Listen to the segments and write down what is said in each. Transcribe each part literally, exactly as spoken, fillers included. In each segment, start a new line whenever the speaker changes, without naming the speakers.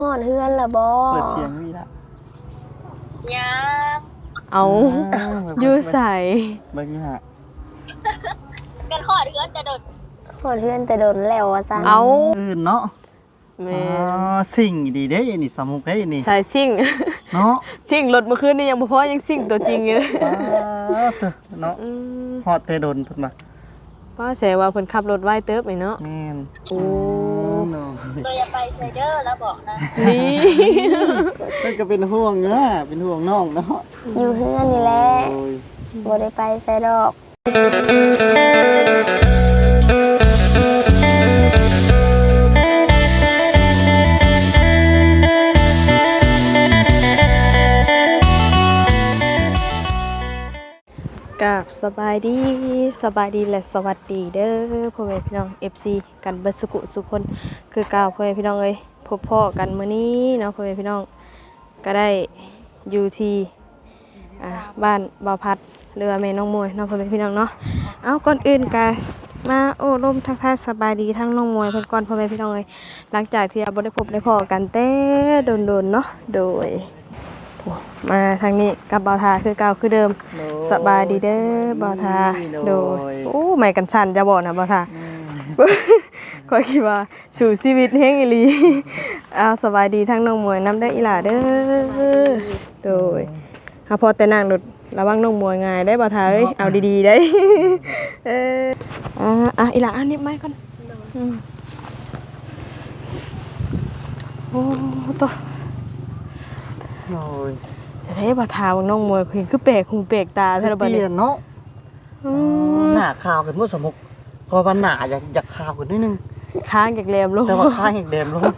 ฮอดเฮือนล่ะบ่
เปิดเสียงมีละ
ยัง
เอาอยู่ใส่
เบิ่งอยู่ฮะ
กันขอดเพื่อนจะโดด
ฮอดเฮือนแต่โดนแล้วว่าซั่น
เอา
อื่นเนาะ
แม่
อ๋อสิ่งดีเด้นี่สมุกเด้นี่
ใช่ซิ่ง
เนาะ
ซิ่งรถเมื่อคืนนี่ยังบ่พอยังซิ่งตัวจริงอยู่เลย
ป้าเถอะเนาะ
อืม
ฮอดแต่โดนเพิ่นมา
ว่าแสว่าเพิ่นขับรถไว้เติบนี่เนาะ
แม่น
โอ้
เนาะ
ตัวอย่าไปไซเดอร์แล้วบอกนะ
นี่
เพิ่นก็เป็นห่วงเนาะเป็นห่วงน้องเนาะ
อยู่เฮือนนี่แหละ
โอ้ย
บ่ได้ไปไสดอก
กับสบายดีสบายดีและสวัสดีเด้อพ่อแม่พี่น้อง เอฟ ซี กันเบิดสุขุสุขคนคือเก่าพ่อแม่พี่น้องเอ้ยพบพ่อกันมื้อนี้เนาะพ่อแม่พี่น้องก็ได้อยู่ที่อ่าบ้านบ่าวพัดหรือว่าแม่น้องมวยเนาะพ่อแม่พี่น้องเนาะเอาก่อนอื่นก็มาโอ้ลมทักทายสบายดีทั้งน้องมวยเพิ่นก่อนพ่อแม่พี่น้องเอ้ยหลังจากที่เราบ่ได้พบได้พ้อกันแต่โดนๆเนาะโดยโอ้มาทางนี้กับบ่าวทาคือเก่าคือเดิม สบายดีเด้อบ่าวทาโดยโอ้ไม่กันชันจะบอกนะบ่าวทาก็คิดว่าสู่ชีวิตแห่งอีหลีเอาสบายดีทั้งน้องมวยน้ำได้อีหล่าเด้อโดยเอาพอแต่นั่งรถระวังน้องมวยง่ายได้บ่าวทาเอ้ยเอาดีๆได้เอออ่าอ่ะอีหล่าอันนี้ไม้ก่อนอืมโอ้ตัว
โอ้ย
จะได้บ่าวทาว่าน้องมวยเห็นคือแปลกหูแปลกตาแท้ละบัด
เป
นี้
ลี่ยนเนาะ
อืม
หน้าขาวขึ้นบ่สมุกก็ว่าหน้าอยากอยากขาวขึ้นนิดนึง
ค้างจากแรมลง
แต่ว่าข้างอีกแดมลง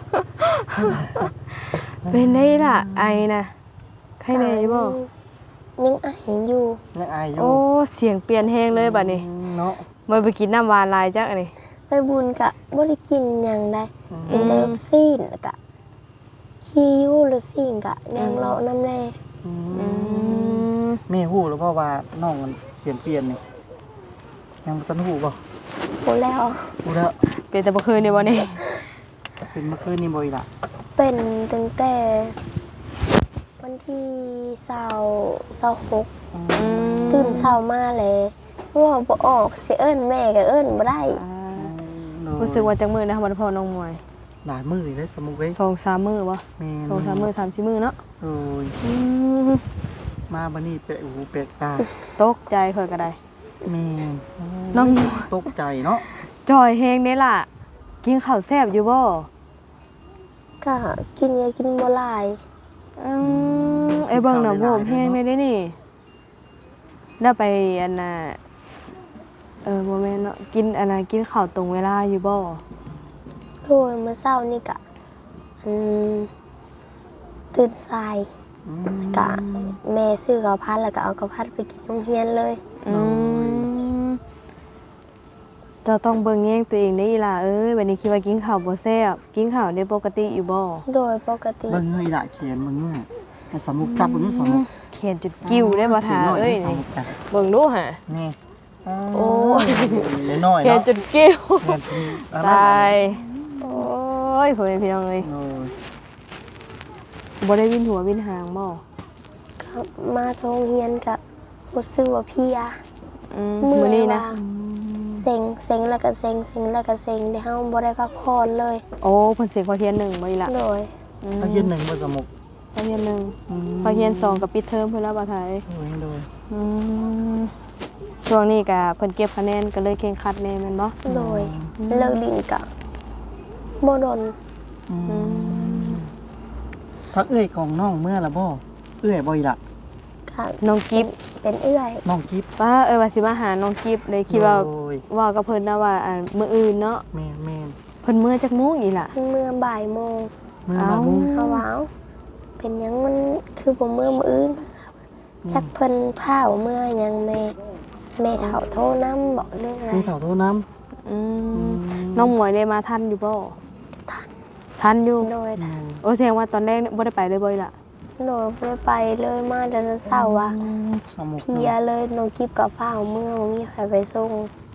เป็นได้ล่ะไอนะใครแน่อยู่บ่
ยังไออยู่
ยังอายอยู่
โอ้เสียงเปลี่ยนแฮงเลยบัดนี้
เนาะ
บ่ไปกินน้ำหวานหลายจักอันนี้
ไปบุญกะบ่ได้กินหยังได้กินแต่ลูกซีนแล้วกะขี้อยู่ลูกซีนกะยังเลาะน้ำแน่
อื
อื
ม
ม
แม่ฮู้แล้วเพราะว่าน้องมันเปลี่ยนเปลี่ยนนี่ยังบ่ทันฮู้บ่
พูดแล้ว
ฮู้แล้ว
เป็นแต่บ่คืนนี่บ่นี่
เป็นเมื่อคืนนี่บ่อีหล่ะ
เป็นตั้งแต่วันที่เสาร์เสาร์หก
อืม
ตื่นเช้ามาเลยว่าบ่ออกสิเอิ้นแม่ก็เอิ้นบ่ได้
อ่ารู้สึกว่าจักมื้อนะบ่ได้พอน้องมวย
หลายมื้อเลยสมุกเว้ย
สองสามมื้อบ่
แม่น
สองสามมื้อสามสี่มื้อเนาะ
โอ้ย
อืม
มาบัดนี้เปะหูเปะตา
ตกใจเพิ่นก็ได้
แม่น
น้อง
ตกใจเนาะ
จอยแฮงเด้ล่ะ กินข้าวแซ่บอยู่บ่
ก็กินก็กินบ่หลาย
อืมไอ้เบิ่งน่ะโหมแฮงได้นี่ได้ไปอันน่ะเออบ่แม่นเนาะกินอันน่ะกินข้าวตรงเวลาอยู่บ่
โดยเมื่อเช้านี่ก็อืมตื่นสาย
อืม
กะแม่ซื้อข้าวผัดแล้วก็เอาข้าวผัดไปกินโรงเรียนเลย
อืมเจะต้องเบิ่งแย่งตัวเองได้อีหล่ะเอ้ยวันนี้คิดว่ากินข้าวบ่แซ่บกินข้าวได้ปกติอยู่บ่
โดยปกติ
เบิ่งเงยละเขียนมึงเนี่ยให้สมุกจับมึงสมุก
เขียนจุดกิ้วได้บ่ทาเอ้ย
ส
นี่
มุกจับ
เบิ่งดูหะ
นี่
โอ้ย
น้อยๆ
เขียน
เนาะ
จุดกิ้ว
เขียนเป็นอะไร
ตายโอ้ยพ่อแม่พี่น้องเอ้ย
โอ้ย
บ่ได้วินหัววินหางบ่
ก็มาโรงเรียนกับรู้สึกว่าเพลีย
อืม
เมื่
มื้อ
อย
นี้นะ
ว่าเซ็งเซ็งแล้วก็เซ็งเซ็งแล้วก็เซ็งได้เฮาบ่ได้พักผ่อนเลย
โอ้เพิ่นเสียงพอเทียนหนึ่งบ่อีหล่ะ
โดย
อืม
เขาเขียนหนึ่งบนสมุก
พอเทียนหนึ่งพอเทียนสองกับปิดเทอมเพิ่นแล้วบ่ทาย
โอ้ยโดย
อืมช่วงนี้ก็เพิ่นเก็บคะแนนก็เลยเคร่งครัดแน่แม่นบ่
โดยเลิกดินกะบ่ดน
อืมพักเอื้อยของน้องเมื่อละบ่เอื้อยบ่อีละ
กะ
น้องกิฟ
เป็นเอื้อย
น้องกิ๊บ
ป้าเอ้ยว่าสิมาหาน้องกิฟเลยคิดว่า
โอ้ย
ว่ากับเพิ่นนะว่าอ่ามื้ออื่นเนาะ
แม่นแม่น
เพิ่นมื้อจักโมงอีหล่ะ
เมื่อบ่ายโมง
เมื่อ
เอ้า
มามุ้ง
เขาว่าเอ้าเป็นหยังมันคือบ่เมื่อมื้ออื่นจักเพิ่นพาเมื่อหยังแม่แม่เฒ่าโทรนำบอกเรื่องอะไร
มีเถาโทน้
อื
ำ
มน้องหมวยได้มาทันอยู่บ่
ทัน
ทันอยู่
โดยทัน
โอ้แสดงว่าตอนแรกบ่ได้ไปเลยบ่อีหล่ะ
โดยบ่ได้ไปเลยมาแต่เช้าร์ว่ะ
สมุก
เพลียเลยน้องกิฟกับฟ้าวเมื่อบ่มีใครไปส่ง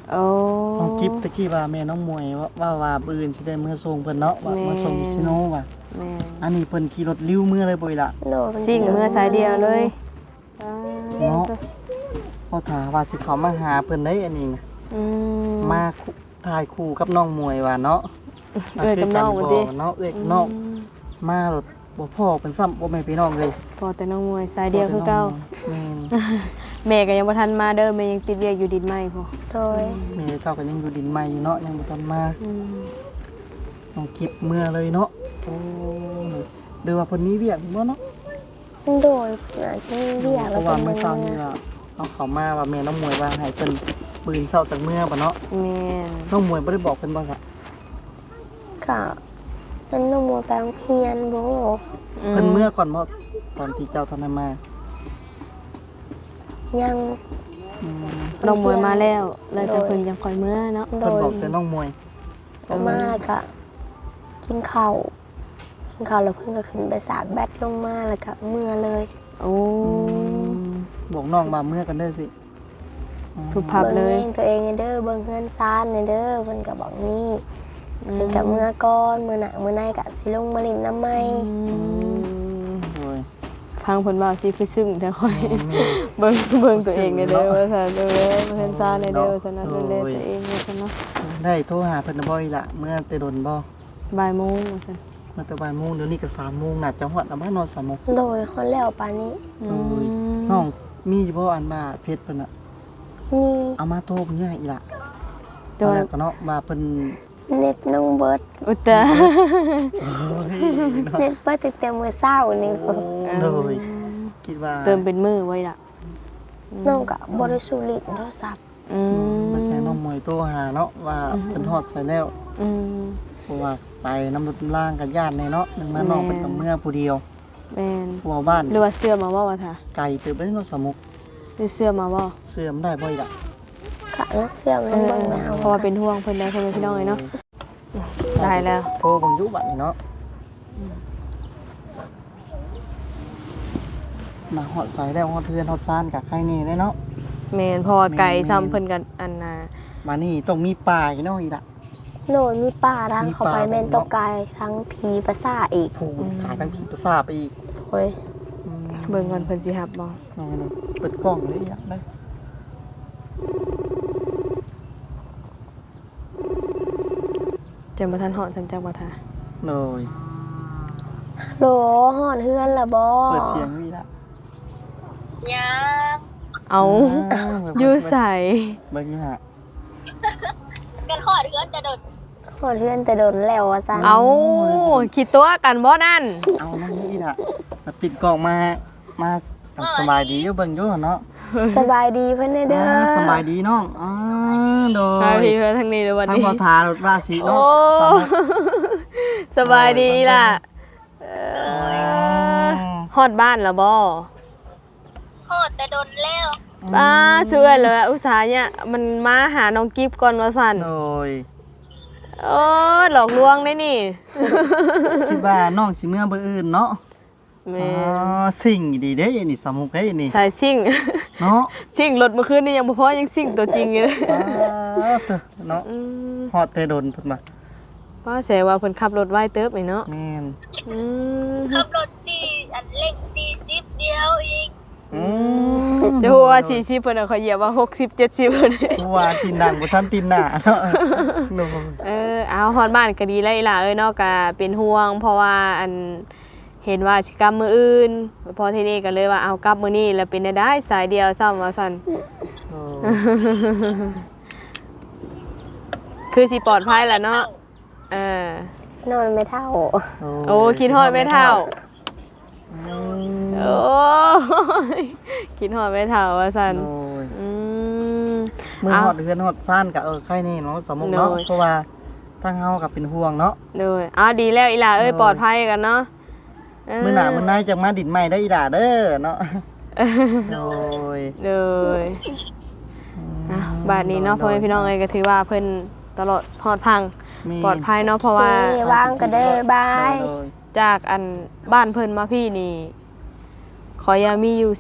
โอ้
น้องกิฟตะกี้ว่าแม่น้องมวยว่าว่าว่าปืนสิได้เมื่อส่งเพิ่นเนาะว่า
แม่
มาส่งซิโนว่ะ
แม่น
อันนี้เพิ่นขี่รถลิ้วเมื่อเลยบ่อีหล่ะ
โดย
สิ่งเมื่อสายเดียวเลยอ่า
เนาะพอถามว่าสิเขามาหาเพิ่นได้อันนี้นะ
อืม
มาคู่ถ่ายคู่กับน้องมวยว่าเนาะ
เอ้ยกับน้องว่าติ
เนาะเอ้ยกับน้องมารถบ่พ่อเพิ่นซ้ำบ่แม่นพี่น้องเลย
พอแต่น้องมวยสายเดียวคือเก่า
แม่น
แม่ก็ยังบ่ทันมาเด้อแม่ยังติดเรียกอยู่ดินไม้พอ
โดย
แม่เก่าก็ยังอยู่ดินใหม่อยู่เนาะยังบ่ทันมา
อืม
น้องกิฟเมื่อเลยเนาะโอ้เดี๋ยวว่าเพิ่นมีเวียกบ่เนาะ
โดยน่าจะมีเบียร์
เพ
แล้ว
ราะ
ก็
ว่า
มื
เมื่อ
อ
เช้านี่ล่ะเอาเขามาว่าแม่น้องมวยว่าให้เพิ่นปืนเช้าจากเมื่อบ่เนาะ
แม่น
น้องมวยบ่ได้บอกเพิ่นบ่ซะ
ก็มันนมัวไปโรงเรียนบ่
เพิ่นเมื่อก่อนบ่ตอนที่เจ้าท่านได้มา
ยัง
อืม
น้องมวยมาแล้วแล้วแต่เพิ่นยังคอยเมื่อเนาะ
โด
เพิ่น
ย
บอกแต่น้องมวย
ออกมาแล้วก็กินข้าวกินข้าวแล้วเพิ่นก็ขึ้นไปสากแบตลงมาแล้วก็เมื่อเลย
โอ้
บอกน้องว่าเมื่อกันเด้อสิ
ทุบพับเล
เบิ่ง
ย
เองตัวเองให้เด้อเบิ่งเฮือนซานให้เด้อเพิ่นก็บอกนี่เพิ่นก็เมื่อก่อนมื้อหน้ามื้อในก็สิลงมาเลินน้ำใหม่
โอ้ย
ฟังเพิ่นเว้าสิคือซึ้งแต่ค่อย เบิ่งเบิ่งตัวเองเด้อเด้อว่าซั่นเด้อเพิ่นซ่าเด้อเด้อว่าซั่นนะดูแลตัวเองว่าซั่นเนาะ
ได้โทรหาเพิ่นน่ะบ่อีหล่ะเมื่อแต่ดนบ่
บ่ายโมงว่าซั่น
เมื่อแต่บ่ายโมงเดี๋ยวนี้ก็สามโมงน่าจะฮอดแล้วมานอนสามโมง
โดยฮอดแล้วปานนี้
โอ้ยน้องมีอยู่บ่อันมาเฟซเพิ่นน่ะ
มี
เอามาโทรเพิ่นให้อีหล่ะ
แต่
เอา
ว่า
แล้วก็เนาะมาเพิ่น
เน็ตน้องเบิด
อุตตะ
โอ้ยเนาะ
เน็ตเบิดตั้งแต่มื้อเช้านี่
โอ้เลยคิดว่า
เติมเป็นมือไว้ล่ะ
น้องก็บ่ได้สูลินโทรศัพท์
อืม
บ่ใช่น้องมวยโทรหาเนาะว่าเพิ่นฮอดใส่แล้ว
อืม
เพราะว่าไปน้ำรถล่างกับญาติในเนาะหนึ่งมาน้องเป็นกับเมื่อผู้เดียว
แม่น
ผัวบ้าน
หรือว่าเสื้อมาบ่ว่าท่า
ไก่เติบได้เนาะสมุก
หรือเสื้อมาบ่
เสื่อมได้บ่อยละ
ก็นักเสื่อม
เอ
นั่ง
อ
เบิ่งแมว
เพราะว่าเป็นห่วงเพิ่นได้เพิ่นเป็นพี่น้องเลยเนาะได้แล้ว
โทรบังยุบัดนี่เนาะมาฮอดใส่แล้วฮอดเพื่อนฮอดซานกับใครนี่ได้เนาะ
แม่นเพราะว่าไก่ซ้ำเพิ่นกันอันน่ะ
มานี่ต้องมีป่าอีกเนาะอีกละ
โดยมีป่าทาง
มี
เข้า
ป่า
ไปแม่นตกกายทั้งผีประสาทอีก
ผูขายทั้งผีประสาทไปอีก
โอ้ย
เบิ่งก่อนเพิ่นสิรับบ่
น้องๆเปิดกล้องเลยอยากได้
จังบ่ทันฮอดจังจังบ่ท่า
เลย
โหลหอดเฮือนละบ่
เปิดเสียงนี่ละ
ยัง
เอา
อ่าเบิ่ง
อยู่ใส
เบิ่งอยู่ฮะ
กันขอดเฮือนจะโดด
หอดเฮือนแต่โดนแล้วว่าซั่น
เอาคิดตัวกันบ่นั่น
เอาน้องนี่ละมาปิดกล้องมามาสบายดีอยู่เบิ่งอยู่เนาะ
สบายดีเพิ่นเด้อ
อ่าสบายดีน้องอ่าโด
พาย พี่เพิ่นทางนี้เด้อวัน
ทั้ง
นี้
พอทารถว่าสี
โอ้
เนาะสามารถ
สบายดีล่ะเออฮอดบ้านแล้วบ่
โคตรแต่โดนแล้ว
ป้าช่วยเลยอุตส่าห์เนี่ยมันมาหาน้องกิฟก่อนว่าซั่น
โดย
โอ้หลอกลวงได้นี่
คิดว่าน้องสิเมื่อเบอร์อื่นเนาะ
แม่
อ๋อสิ่งดีเด้นี่สมุกเด้นี่
ชายซิ่ง
เนาะ
ซิ่งรถเมื่อคืนนี่ยังบ่พอยังซิ่งตัวจริงอยู่เลย
อ่าเถอะเนาะ
อืม
ฮอดแต่โดนเพิ่นมา
ว่าแสว่าเพิ่นขับรถไว้เติบนี่เนาะ
แม่น
อืม
ขับรถตีอันเร่งตีซิปเดียวเอง
อืม
จะฮู้ว่าสี่สิบเพิ่นน่ะเขาเหยียบว่าหกสิบ เจ็ดสิบเพิ่น
ผู้ว่าตีนดังบ่ทันตีนหน้าเนาะโดย
เออเอาฮอดบ้านก็ดีแล้วอีหล่ะเอ้ยเนาะก็เป็นห่วง เพราะว่าอันเห็นว่าสิกลับมื้ออื่นพอทีนี้ก็เลยว่าเอากลับมื้อนี้แล้วเป็นได้ได้สายเดียวซ้ำว่าซั่น
โอ้
คือสิปลอดภัยแหละเนาะเออน
อนไม่เท่า
โอ้คิดฮอดไม่เท่า
อืม
โอ้ยคิดฮอดไม่เท่าว่าซั่น
โอ้ย
อืม
มือ
เอา
ฮอดเฮือนฮอดซ่านก็เออใครนี่เนาะสมุกเนาะ
โดย
เพราะว่าทางเฮาก็เป็นห่วงเนาะ
โดยอ้าวดีแล้วอีหล่าเอ้ย
โดย
ปลอดภัยกันเนาะเ
มื้อหน้ามื้อหน้าจังมาดินใหม่ได้อีด่าเด้อเนาะโอ้ย
โดยอ่ะบาดนี้เนาะพ่อแม่พี่น้องเอ้ยก็ถือว่าเพิ่นตลอดฮอดพัง
มี
ปลอดภัยเนาะเพราะว่า
เอ้ยวางก็เด้อบาย
โดย
จากอันบ้านเพิ่นมาพี่นี่ขอยามีอยู่สิบ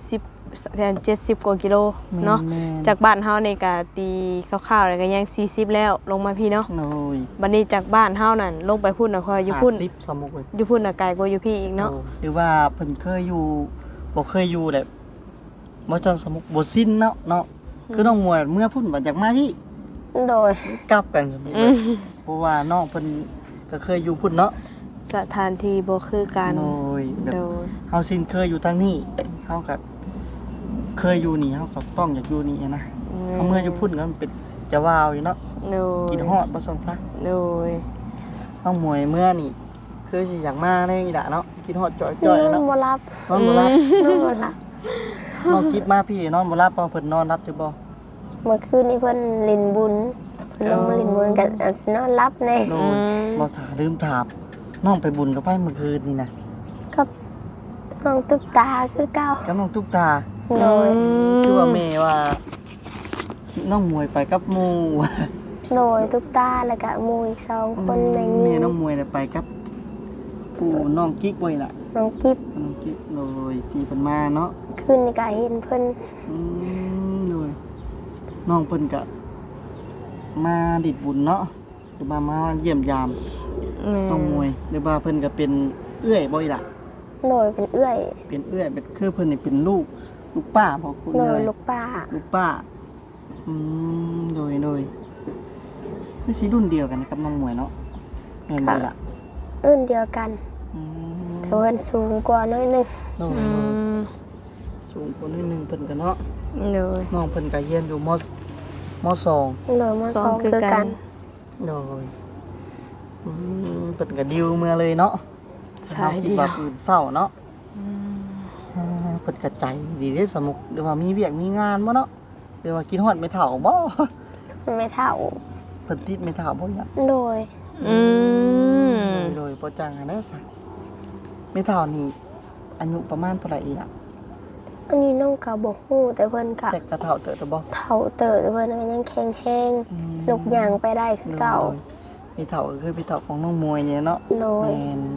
แทนเจ็ดสิบกว่ากิโลเนาะ
แม่น
จากบ้านเฮานี่ก็ตีคร่าวๆแล้วก็ยังสี่สิบแล้วลงมาพี่เนาะ
โอ้ย
บัดนี้จากบ้านเฮานั่นลงไปพุ่นน่ะคอยอยู่พุ่น
ห้าสิบสมุกเลย
อยู่พุ่นน่ะไกลกว่าอยู่พี่อีกเนาะ
โอ้หรือว่าเพิ่นเคยอยู่บ่เคยอยู่แหละบ่จังสมุกบ่สิ้นเนาะเนาะคือน้องมวยเมื่อพุ่นบัดจากมาที่
โดย
กลับกันสมุก
อื
เลย
ม
เพราะว่าน้องเพิ่นก็เคยอยู่พุ่นเนาะ
สถานที่บ่คือกัน
โอ้ยแบบ
โดย
เฮาสิ้นเคยอยู่ทางนี้เฮาก็เคยอยู่นี่เฮาก็ต้องอยากอยู่นี่นะเฮาเมื่ออยู่พุ่นก็มันเป็นจะว้าวอยู่เนาะ
โดย
กินฮอดบ่ซั่นซะ
โดย
น้องมวยเมื่อนี่คือสิอยากมาได้อีหละเนาะกินฮอดจ่
น
อย
อ
ๆ
น
เนาะ
บ่รับ
นอนบ่หลับ
นอนบ่รับ
น้องกิบมาพี่นอนบ่หลับบ่เพิ่นนอนรับอยู่บ่
เมื่อคืนนี้เพิ่นเลินบุญเพิ่นลงมาเลินบุญกันอันสินอนรับแน่
โดยบ่ถาลืมถามน้องไปบุญกับไผเมื่อคืนนี่นะ
กับน้องตุ๊กตาคือเก่า
กับน้องตุ๊กตา
โดย
คือว่าแม่ว่า น้องมวยไปกับหมู่
โดยตุ๊กตาแล้วก็หมู่อีกสองคนแม่ยิ
แม่
ง
น้องมวยน่ะไปกับปู่น้องกิ๊กไว้ล่ะ
น้องกิฟ
น้องกิ๊กโดยที่เพิ่นมาเนาะ
คืนนี้ก็เห็นเพิ่น
อืมโดยน้องเพิ่นก็มาดิดบุญเนาะหรือว่ามาเยี่ยมยาม
แม่
น้องมวยหรือว่าเพิ่นก็เป็นเอื้อยบ่อีหล่ะ
โดยเป็นเอื้อย
เป็นเอื้อยเป็นคือเพิ่นนี่เป็นลูกลูกป้าบ่คุณ
โด
อะไร
ยลูกป้า
ลูกป้าอืมโดยโดยคือสิรุ่นเดียวกันกับน้องมวยเนาะแม่นบ่ล่ะ
รุ่นเดียวกัน
อืม
แต่เพิ่นสูงกว่าน้อยหนึง
โดย
อื
โดย
ม
สูงกว่านิดนึงเพิ่นก็เนาะ
โดย
น้องเพิ่นก็เรียนอยู่มมสอง
โดยม
ส
ส
อ
อง ง
คือ
คือ
กั
กัน น
โดยอืมเพิ่นก็ดิวเมื่อเลยเนาะ
สาย
คิ
เดี
ด
ย
ว่าว ปืนเศร้าเนาะอ่าเพิ่นก็ใจดีเด้สมุกหรือว่ามีเวียกมีงานบ่เนาะหรือว่ากินฮอดไม่เฒ่าบ่
ไม่เท่า
เพิ่นติดไม่เฒ่าบ่เนี่ย
โดย
อืม
โดยบ่จังอันนั้นซะไม่เฒ่านี่อายุประมาณเท่าไหร่อีกล่ะ
อันนี้น้องก็บ่ฮู้แต่เพิ่นก็
แต่กระเฒ่าเติบโตบ่
เฒ่าเติบแต่เพิ่นก็ยังแข็งแรงลุกย่างไปได้คือเก่า
พี่เฒ่าก็คือพี่เฒ่าของน้องมวยเนี่ยเนาะ
โดย
แม่น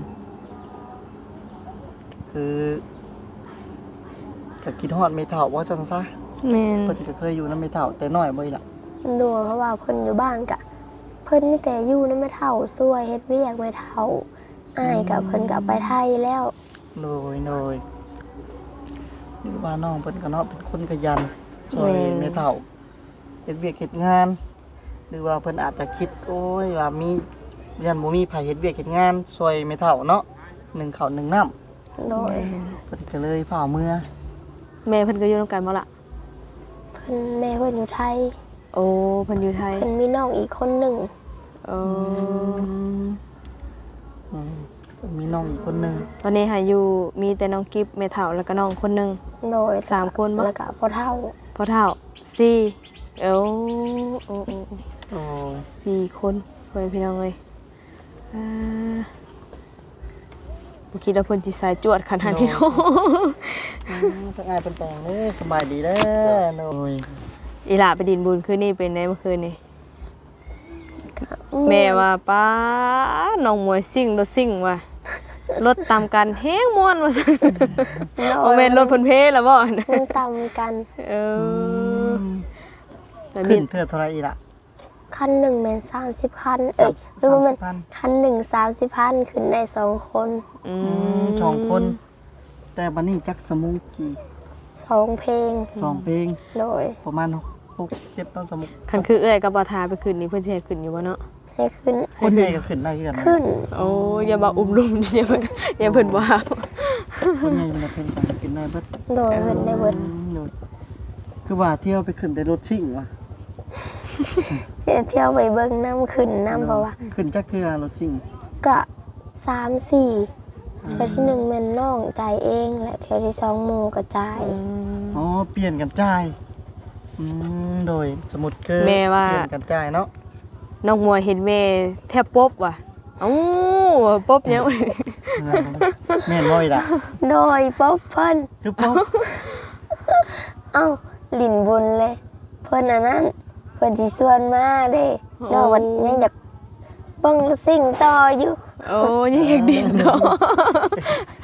คือก็คิดฮอดไม่เฒ่าว่าจังซะ
แม่น
เพิ่นก็เคยอยู่นำไม่เฒ่าแต่น้อยบ่อีหล่ะ
โดยเพราะว่าเพิ่นอยู่บ้านก็เพิ่นมีแต่อยู่นำแม่เฒ่าช่วยเฮ็ดเวียกแม่เฒ่าอ้ายก็เพิ่นก็ไปไทยแล้ว
โดยโดยหรือว่าน้องเพิ่นก็เนาะเป็นคนขยันช่วยไม่เฒ่าเฮ็ดเวียกเฮ็ดงาน หรือว่าเพิ่นอาจจะคิดโอ้ยว่ามียันบ่มีไผเฮ็ดเวียกเฮ็ดงานช่วยไม่เฒ่าเนาะหนึ่งข้าวหนึ่งน้ำ
โดย
เพิ่นก็เลยพาเมื่อ
แม่เพิ่นก็อยู่นำกันบ่ล่ะ
เพิ่นแม่เพิ่นอยู่ไทย
โอ้เพิ่นอยู่ไทย
เพิ่นมีน้องอีกคนหนึ่ง
โอ้
อืมมีน้องอีกคนหนึง
ตอนนี้หาอยู่มีแต่น้องกิฟแม่เฒ่าแล้วก็น้องคนหนึง
โดย
สามคนบ่
แล้วก็พ่อเฒ่า
พ่อเฒ่าสี่เอ้าโอ้โอ้โอ้
โอ้ย
สี่คนเพื่อนพี่น้องเลยอ่าบ่คิดว่าเพิ่นสิสายจวดขนาดนี้เนาะ
อืมทั้งอายเป็นแต่งเด้อสบายดีเด้อโอ้ย
อีหล่าไปดินบุญคืนนี้เป็นไงเมื่อคืนนี้แม่ว่าป้าน้องมวยซิ่งรถซิ่งว่ะรถตามกันแฮงม่วนว่าซั่น
โด
บ่
ย
แม่นรถเพิ่นเพแล้วบ่
มันต่ำกัน
เออแต่มี
ขึ้นเทื่อเท่าไหรอีกล่ะ
คันหนึ่งแม่นสามสิบคันเอ้ยหรือว่ามัน
สามสิบพัน
คันหนึ่งสามสิบพันขึ้นได้สองคน
อื
อืมสองคน แต่บัดนี้จักสมุกกี่
สองเพลง
สองเพลง
โดย
ประมาณหกหกเจ็ดเนาะสมุก
คันคือเอ้อยกับบ่ทาไปคืนนี้เพิ่นสิให้ขึ้นอยู่บ่เนาะ
ให้ขึ้น
คนใหญ่ก็ขึ้นได้คือกันนะ
ขึ้น
โอ้อย่ามาอุ้มลุมอย่าเพิ่นอย่าเพิ่นว่า
คนใหญ่มันจะเป็นการขึ้นได้เบิด
โดยขึ้นได้เบิด
อืมโดยคือว่าเที่ยวไปขึ้นแต่รถชิ่งว่ะ
เที่ยวไปเบิ่งน้ำขึ้นน้ำเพราะว่า
ขึ้นจักเทื่อรถชิ่ง
ก็สามสี่เที่ยวที่หนึ่งแม่นน้องจ่ายเองและเที่ยวที่สองหมู่ก็จ่าย
อ๋อเปลี่ยนกันจ่ายอืมโดยสมุดคือ
แม่ว่า
เปลี่ยนกันจ่ายเนาะ
น้องมวยเห็นแม่แทบปบว่ะเอ้าปบยัง
แม่นบ่อยล่ะ
โดยป๊อบเพิ่น
คือป๊อบ
เอ้าหลินบุญเลย เพิ่นอันนั้นเพิ่นสิส่วนมาเด้น้องวันยังอยากเบิ่งสิ่งต่ออยู่
โอ้ยยังอยากดินเนาะ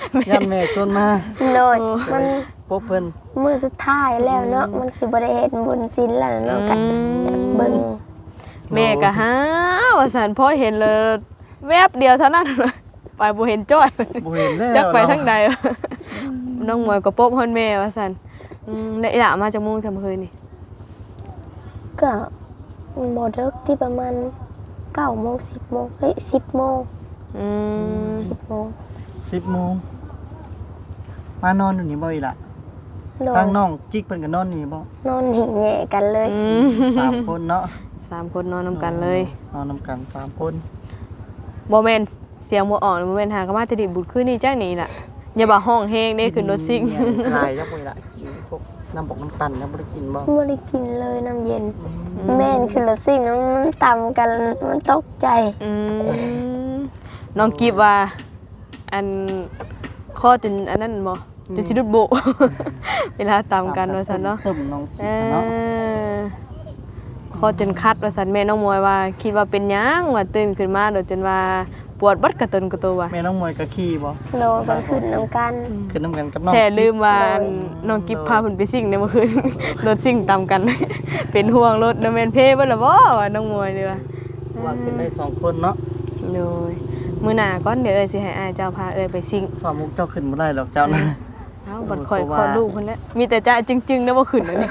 ยันแม่ชวนมา
โดยมัน
พบเพิ่น
มื้อสุดท้ายแล้วเนาะมันสิบ่ได้เฮ็ดบุญศีลแล้วเนาะกันเบิ่ง
แม่ก็หาว่าซั่นพอเห็นเลยแวบเดียวเท่านั้นไปบ่เห็นจ้อย
บ่เห็นแล้ว
จักไปทางใดวะน้องมวยก็ปบฮอนแม่ว่าซั่นอืมแล้วอีหล่ามาจากโมงจากเมื่อคืนนี่
ก็บ่เลิกที่ประมาณเก้าโมงสิบโมงเฮ้ยสิบโมง
อืม
สิบโมง
สิบโมงมานอนอยู่นี่บ่อีหล่ะ
โด
ทาง
ย
น้องจิกเพิ่นก็นอนนี่บ่
นอนหิแง่กันเลย
อืม
สามคนเนาะ
สามคนนอนนำกันเลย
นอนนำกันสามคน
บ่แม่นเสียงบ่ออกบ่แม่นหากนมาแต่ดิบุญคืนนี้จังนี่ล่ะอย่าบ่าห้องแฮงเด้ขึ้นรถซิ่ง
ขายจักบ่อีหล่ะกินพวกน้ำบกน้ำปั่นยังบ่ได้กินบ่
ไม่ได้กินเลยน้ำเย็น แม่นคือรถซิ่งน้ำมันต่ำกันมันตกใจ
อืมน้องกิฟว่า อันข้อจนอันนั้นบ่จนสิดุดโบ เวลาตามกันว่าซั่นเนาะ
ซึมน้อง
เอ
เนาะ
อข้อจนคัดว่าซั่นแม่น้องมวยว่า คิดว่าเป็นหยังว่าตื่นขึ้นมาโดยจนว่าปวดบัดกระตนกระตัวว่ะ
แม่น้องมวยก็ขี่บ่
โดนมันขึ้นน้ำกัน
ขึ้นน้ำกันกับน้อง
แต่ลืมว่าน้องกิฟพาเพิ่นไปซิ่งในเมื่อคืน รถซิ่งตามกัน เป็นห่วงรถนำแม่นเพเบิดล่ะบ่ว่าน้องมวยนี่ว่า
ว่าขึ้นได้สองคนเนาะ
โดยมื้อหน้าก่อนเดี๋ยวเอ้ยสิให้อ้ายเจ้าพาเอ้ยไปซิ่ง
สอนมุกเจ้าขึ้นบ่ได้หรอกเจ้านะ
เอ้าบัดคอย
เพราะ
ค
ว่า
อลูกเพิ่นแหละมีแต่จ้าจึงๆนะบ่ขึ้นแล้วนี่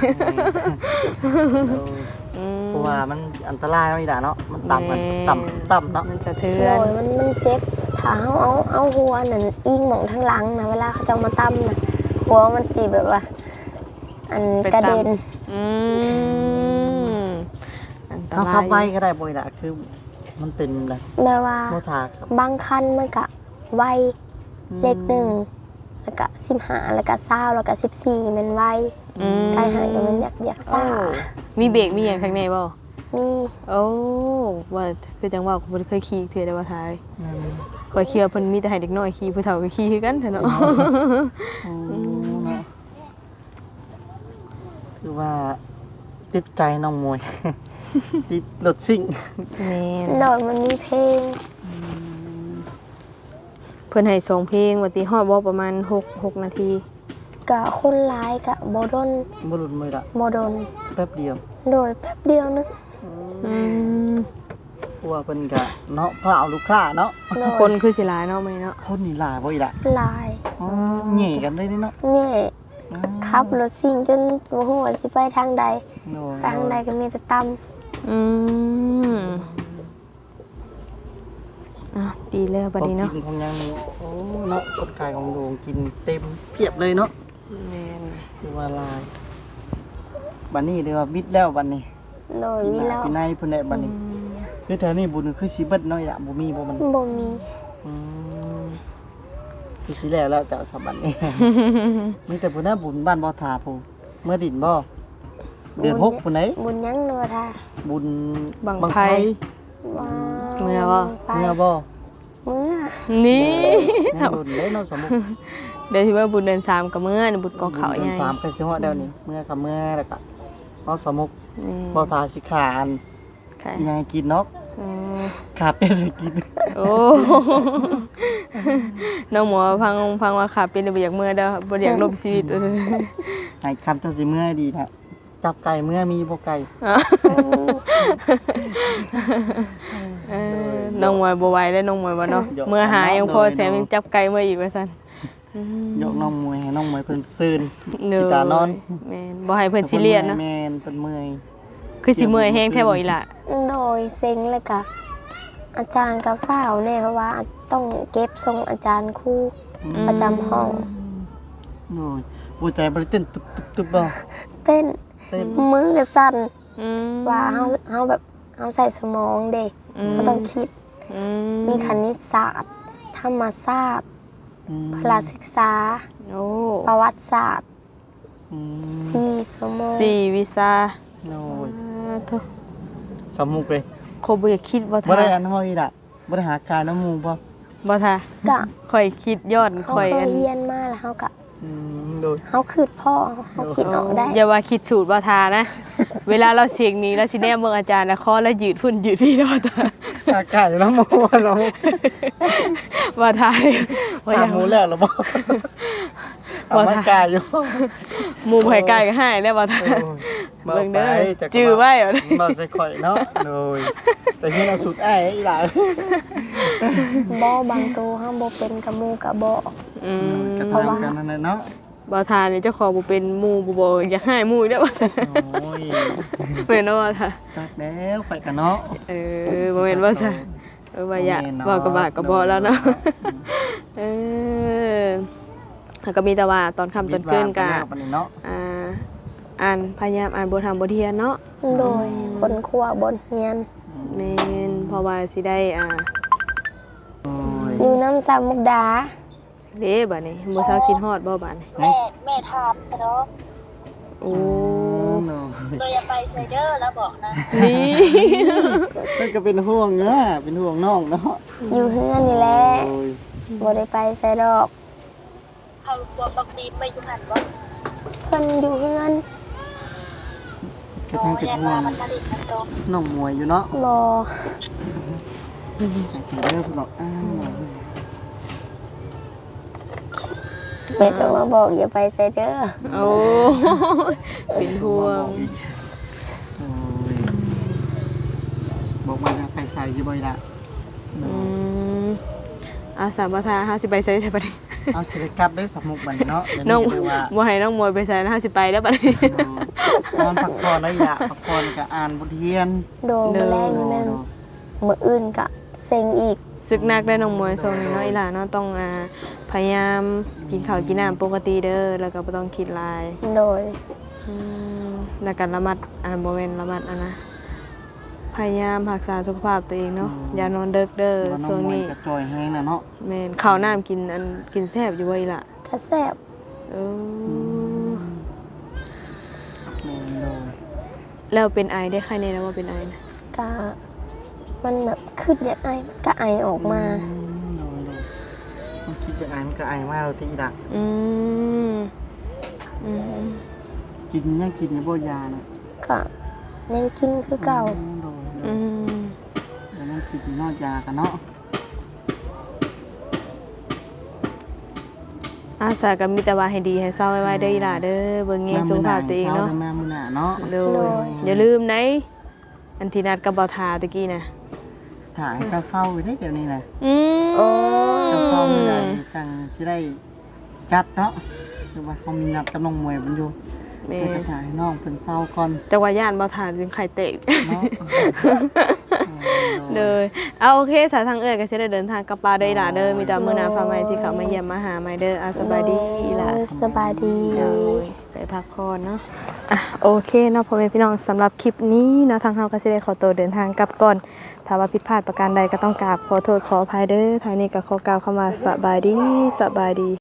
อืม
เพราะว่ามันอันตรายเนาะอีหล่ะเนาะมันต่ำมัน
แม่
ต่ำต่ำเนาะ
มันสะเทื
โด
อน
ยมันมันเจ็บถ้าเขาเอาเอาหัวนั่นอิงหมองทั้งหลังนะเวลาเขาจะเอามาตั้มนะหัวมันสีแบบว่า อันกระเด็น
อืมอันต
ถ้าร
าย
ขับไว้ก็ได้บ่อีหล่ะคือมันเป็นอะไร
แบบว่า
โมทาครับ
บางคันมันก็ไวเลขหนึ่งแล้วก็สิบห้าแล้วก็เศร้าแล้วก็สิบสี่มันไว
อืม
กายหายก็มันอยากอยาก
โอ้
ซ่า
มีเบรกมีหยังข้างในบ่
มี
โอ้ว่าคือจังว่าผมบ่เคยขี่เทื่อได้ว่าทาย
อืม
ข่อยขี่ว่าเพิ่นมีแต่ให้เด็กน้อยขี่ผู้เฒ่าก็ขี่คือกันเถอะเนาะ
อืมเนาะคือว่าจิตใจน้องมวย จิตรถซิ่ง
แม่น
โดยมันมีเพลง
เพิ่นให้สองเพลงว่าติฮอดบ่ประมาณหก หกนาที
กับคนร้ายกับโบดน
บุรุษมือละ
โมดน
แป๊บเดียว
โดยแป๊บเดียวนึง
อืม
เพราะว่าเพิ่นก็เนาะพาเอาลูกค้าเนาะ
โดย
คนคือสิหลายเนาะมื้อนี้เนาะ
คนนี่หลายบ่อีหล่ะ
ลาย
อ๋อแหย่กันเลยนี่เนาะ
แง่ขับรถซิ่งจนโมโหว่าสิไปทางใด
โอ้ย
ไปทางใดก็มีแต่ต
อืมอ่ะดีแล้วบัดนี้เนาะ
ของกินของหยังนี่โอ้เนาะคนขายของโดงกินเต็มเพียบเลยเนาะ
แม่น
คือว่าหลายบัดนี้เรียกว่ามิดแล้วบัดนี้
ำโดยมีแล้ว
พี่นายเพิ่นได้บัดนี้คือแถวนี้บุญคือสิเบิดเนาะอีหล่ะบ่มีบ่มัน
บ่มี
อืมคือสิแล้วแล้วเจ้าสบันนี้ มีแต่ผู้น่าบุญบ้านบ่อทาผู้เมื่อดินบ่เดือนหกผู้ไหน
บุญยังโนทา
บุญ
บังไผ
ว่า
เมื่อบ่
ไป
เมื่อบ่
เมื่อ
นี่
แม่บุญเลยเนาะสมมุติ
เดี๋ยวที่ว่าบุญเดือนสามกับเมื่อนี่บุญกองเขา
ดื
ให
น
ญ่
สามก็สิฮอดแล้วนี่เมื่อกับเมื่อแล้วก็เนาะสมุก
นี่
บ่อทาสิขาอัน
ค่ะ
อีหยังให้กินเนาะ
อืม
ขาเป็ดให้กิน
โอ้ น้องหมอฟังฟังว่าขาเป็นบ่อยากเมื่อเด้อบ่อยากลบชีวิต
ให้คำเจ้าสิเมื่อดีนะจับไก่เมื่อมีบ่ไก่
เออน้องมวยบ่ไหวแล้วน้องมวยบ่เนาะเมื่อหายังพอแถมยังจับไก่มาอีกว่าซั่นอืม
ยกน้องมวยให้น้องมวยเพิ่นซื่น
เด้อ
กีตาร์นอน
แม่นบ่ให้เพิ่นซีเรียสเนาะ
แม่นเพิ่นเมื่อย
คือสิเมื่อยแฮงแท้บ่อีหล่ะ
โดยเซ็งเลยกับอาจารย์กับฝ้าวเนี่ยเพราะว่าต้องเก็บทรงอาจารย์ครู่ประจำห้อง
โอ้ยหัวใจบ่ได้เต้นตึบตึบตึบบ่
เต้น
เต้น
มือก็สั่น
อืม
ว่าเฮาเฮาแบบเฮาใส่สมองเด็ก
อืม
เขาต้องคิด
อื
มีคณิตศาสตร์ ธรรมศาสตร์
อืม
พลาศึกษา
โอ้
ประวัติศาสตร์
อืม
สี่สมอง
สี่วิชา
โอ้ย
อ่าโธ่
สมุกเลย
โคบ่อยากคิดบ่
บ่
ท่า
ได้อันห้อยล่ะบ่ได้หาการน้ำหมูบ่
บ่ท่า
ก็
ข่อยคิดยอด
เขา
ข่อย
เค
อั
ย
น
เรียนมาแล้วเฮาก็
อืมโดย
เฮาคืดพ่อเฮาคิดออกได้
อย่าว่าคิดสูตรบ่ทานะเวลาเราเสียงนี้แล้วสิแนมเบิ่งอาจารย์นะคอแล้วยืดพุ่นยืดพี่แล้วบ่ตา
อากาศแล้วโมเรา
บ่ทายบ่อาก
ถายมหมูแล้วเหรอบ่เอามากายอยู่
หมู่ไผไกลก็ให้ได้บ่ทายเบิ่งเด้อจื้อไว้เอาเด้อ
บ่ใส่ข่อยเนาะโดยแต่ที่เราสุดอ้ายอีหลา
บ่บางตัวห้ามบ่เป็นกับหมู่กับบ่
อืม
กระทำกันนั่นแหละเนาะ
บ่ทานนี่เจ้าของบ่เป็นหมู่บ่บ่อยากให้หมู่อีกเด้อบ่ทาย
โอ้ย
แม่นบ่ทาย
ตักแล้วข่อยกันเนาะ
เออบ่แม่นบ่ทายเออว่าอยากบ่ก็บากก็บ่แล้วเนาะเออแล้วก็มีแต่ว่าตอนค่ำตอนคืนก็
ปานนี้เนาะ
อ่าอ่านพยายามอ่านบทธรรมบทเรียนเนาะ
โดยคนครัวบนเฮียน
แม่นเพราะว่าสิได้อ่า
โอ้ย
อยู่น้ำสามมุกดา
เด้บัดนี้มื้อเช้าคิดฮอดบ่บัดนี้
แม่แม่ถามเนาะ
โอ้
เนาะ
ตัวอย่าไปไซเดอร์แล้วบอกนะ
นี่
มันก็เป็นห่วงเนาะเป็นห่วงน้องเนาะ
อยู่เฮือนนี่แหละ
โอ้ย
บ่ได้ไปไสดอก
เขากลัวบักดีไปอยู่หันว่า
เพิ่นอยู่เฮือน
กระทั่งเป็นห่วง
มันผลิตมันโต
น้องมวยอยู่เนาะ
บ่
สิเด้อเพิ่นบอกอ้าว
แม่ต้องมาบอกอย่าไปไสเด้อ
โอ้เป็นห่วง
โอ้ยบอกว่าจะไปใส่อยู่บ่อยละ
อืมอาสาบ่ทาเฮาสิไปไสใช่บัดนี้
เอาสิได้กลับได้สมุกบัดนี้เนาะเดี๋ยว
น้อง
นี้คือว่า
บ่ให้น้องมวยไปไสนะเฮาสิไปแล้วบัดนี้
นอนพักผ่อนแล้วอย่าพักผ่อนก็อ่านบทเรียน
โดนแรงนี่แม่นมื้ออื่นก็เซ็งอีก
ศึกหนักได้น้องมวยช่วงนี้เนาะอีหล่าเนาะต้องอ่าพยายามกินข้าวกินน้ำปกติเด้อแล้วก็บ่ต้องคิดหลาย
โดย
อืมแล้วก็ระมัดอ่านบ่แม่นระมัดอันนะพยายามรักษาสุขภาพตัวเองเนาะอย่านอนดึกเด้อ
ว่าน้
ช่
อ
ว
ง
ง
มวย
นี้
ก็จอยแฮงน่ะเนาะ
แม่นข้าวน้ำกินอันกินแซ่บอยู่ไว้ล่ะ
กระแซ่บ
เออ
แม่นเลย
แล้วเป็นไอได้ใครแน่นะว่าเป็นไอนะ
ก็มันแบบขึ้นอย่างไอมันก็ไอออกมา
อืมโดยโดยมันคิดจะอ่านก็อายมากเราที่ละ
อืมอืม
กินยังกินอยู่บ่ยาน่ะ
ก็ยังกินคือเก่า
โดยโด
อื
ย
ม
แล้วยังกินนอกยากันเนาะ
อาสาก็มีแต่ว่าให้ดีให้เศร้าไว้ๆเด้ออีหล่าเด้อเบิ่งแยงสุขภาพตัวเองเนาะ
แม่มื้อหน้าเนาะ
โดยอย่าลืมนะอันที่นัดกับบ่าวทาตะกี้นะ
ถ่ายเจ้าเศร้าอยู่ได้เดี๋ยวนี้นะ
อืม
โอ้
เจ้าเศร้ามื้อใดจังสิได้จัดเนาะคือว่าเขามีนัดกับน้องมวยมันอยู่
แม่
แต่ก็ถ่ายให้น้องเพิ่นเศร้าก่อน
แต่ว่าย่านบ่าวทาจึงไข่เตะ
เนาะ
เลยเอาโอเคสายทางเอ้ยก็สิได้เดินทางกลับป่าเด้ออีหล่าเด้อมีแต่มื้อหน้าฟ้าใหม่ที่เขามาเยี่ยมมาหาใหม่เด้ออาสบายดีอีหล่า
สบายดี
เดี๋ยวไปพักผ่อนเนาะอ่ะโอเคเนาะพ่อแม่พี่น้องสำหรับคลิปนี้เนาะทางเฮาก็สิได้ขอตัวเดินทางกลับก่อนถ้าว่าผิดพลาดประการใดก็ต้องกราบขอโทษขออภัยเด้อทางนี้ก็ขอกล่าวคำว่าสบายดีสบายดี